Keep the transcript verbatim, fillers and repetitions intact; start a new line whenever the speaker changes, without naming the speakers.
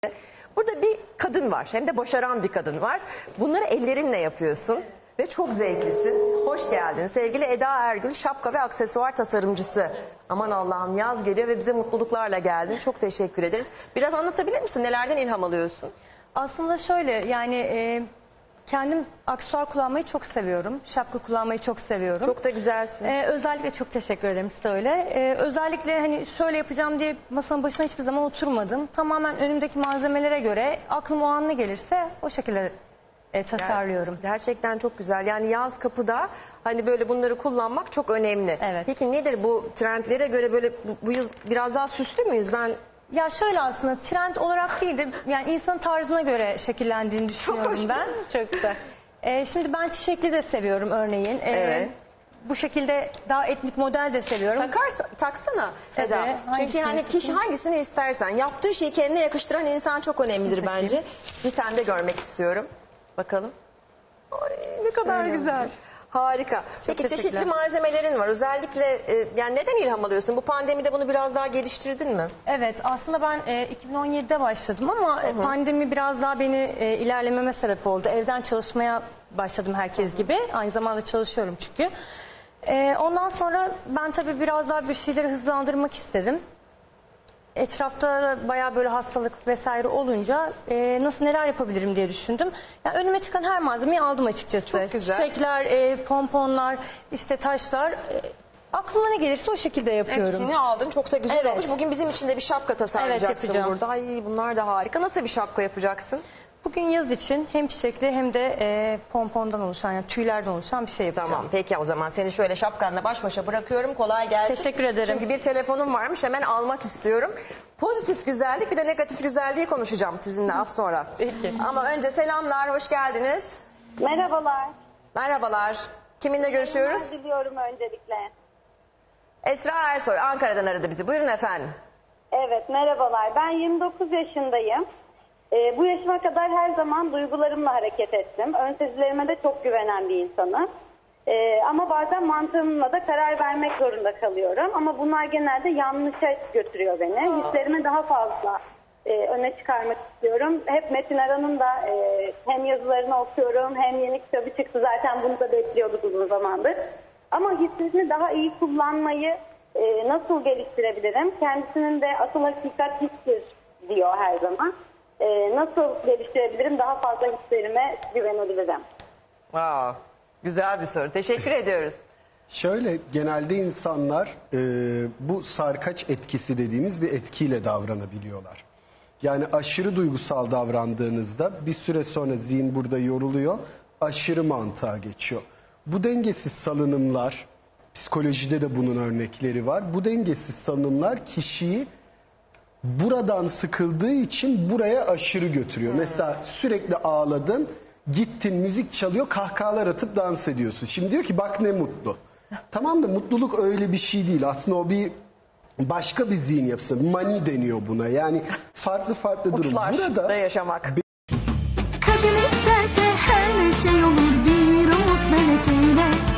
Burada bir kadın var, hem de başaran bir kadın var. Bunları ellerinle yapıyorsun ve çok zevklisin. Hoş geldin sevgili Eda Ergül, şapka ve aksesuar tasarımcısı. Aman Allah'ım, yaz geliyor ve bize mutluluklarla geldin. Çok teşekkür ederiz. Biraz anlatabilir misin? Nelerden ilham alıyorsun?
Aslında şöyle, yani e, kendim aksesuar kullanmayı çok seviyorum. Şapka kullanmayı çok seviyorum.
Çok da güzelsin.
E, özellikle çok teşekkür ederim size öyle. E, özellikle hani şöyle yapacağım diye masanın başına hiçbir zaman oturmadım. Tamamen önümdeki malzemelere göre aklım o an ne gelirse o şekilde e, tasarlıyorum.
Gerçekten çok güzel. Yani yaz kapıda hani böyle bunları kullanmak çok önemli.
Evet.
Peki nedir bu trendlere göre, böyle bu, bu yıl biraz daha süslü müyüz? Ben
Ya şöyle, aslında trend olarak değil de yani insanın tarzına göre şekillendiğini düşünüyorum
hoş
ben. Çok güzel. Ee, şimdi ben çiçekli de seviyorum örneğin. Ee,
Evet.
Bu şekilde daha etnik model de seviyorum.
takarsa, taksana Eda.
Evet,
Çünkü
hangisini
yani kişi
takayım?
hangisini istersen. Yaptığı şeyi kendine yakıştıran insan çok önemlidir
Takayım.
bence. Bir sende görmek istiyorum. Bakalım. Ay, ne kadar
Öyle
güzel.
olmuş.
Harika. Peki çeşitli
teşekkürler.
malzemelerin var. Özellikle e, yani neden ilham alıyorsun? Bu pandemide bunu biraz daha geliştirdin mi?
Evet, aslında ben e, iki bin on yedide başladım ama e, pandemi biraz daha beni e, ilerlememe sebep oldu. Evden çalışmaya başladım herkes gibi. Aynı zamanda çalışıyorum çünkü. E, ondan sonra ben tabii biraz daha bir şeyleri hızlandırmak istedim. Etrafta bayağı böyle hastalık vesaire olunca e, nasıl neler yapabilirim diye düşündüm. Yani önüme çıkan her malzemeyi aldım açıkçası.
Çok güzel.
Çiçekler, e, pomponlar, işte taşlar. E, aklıma ne gelirse o şekilde yapıyorum.
Hepsini aldın. Çok da güzel
Evet.
olmuş. Bugün bizim için de bir şapka tasarlayacaksın
Evet, yapacağım.
burada. Ay, bunlar da harika. Nasıl bir şapka yapacaksın?
Bugün yaz için hem çiçekli hem de e, pompondan oluşan, yani tüylerden oluşan bir şey yapacağım.
Tamam, peki o zaman seni şöyle şapkanla baş başa bırakıyorum. Kolay gelsin.
Teşekkür ederim.
Çünkü bir telefonum varmış, hemen almak istiyorum. Pozitif güzellik, bir de negatif güzelliği konuşacağım sizinle az sonra.
Peki.
Ama önce selamlar, hoş geldiniz.
Merhabalar.
Merhabalar. Kiminle görüşüyoruz?
Ben diliyorum öncelikle.
Esra Ersoy, Ankara'dan aradı bizi. Buyurun efendim.
Evet, merhabalar. Ben yirmi dokuz yaşındayım. Ee, bu yaşıma kadar her zaman duygularımla hareket ettim. Ön sezilerime de çok güvenen bir insanım. Ee, ama bazen mantığımla da karar vermek zorunda kalıyorum. Ama bunlar genelde yanlışa götürüyor beni. Hislerimi daha fazla e, öne çıkarmak istiyorum. Hep Metin Aran'ın da e, hem yazılarını okuyorum hem yeni kitabı çıktı. Zaten bunu da bekliyorduk uzun zamandır. Ama hislerini daha iyi kullanmayı e, nasıl geliştirebilirim? Kendisinin de asıl hakikat histir diyor her zaman. E, nasıl geliştirebilirim? Daha fazla hislerime güvenebilirim.
Aa, güzel bir soru. Teşekkür ediyoruz.
Şöyle, genelde insanlar e, bu sarkaç etkisi dediğimiz bir etkiyle davranabiliyorlar. Yani aşırı duygusal davrandığınızda bir süre sonra zihin burada yoruluyor, aşırı mantığa geçiyor. Bu dengesiz salınımlar, psikolojide de bunun örnekleri var. Bu dengesiz salınımlar kişiyi buradan sıkıldığı için buraya aşırı götürüyor. Hmm. Mesela sürekli ağladın, gittin, müzik çalıyor, kahkahalar atıp dans ediyorsun. Şimdi diyor ki bak ne mutlu. Tamam da mutluluk öyle bir şey değil. Aslında o bir başka bir zihin yapısı. Mani deniyor buna. Yani farklı farklı durum.
Uçlarda
Burada
yaşamak.
Kadın isterse her şey olur, bir umut meleğiyle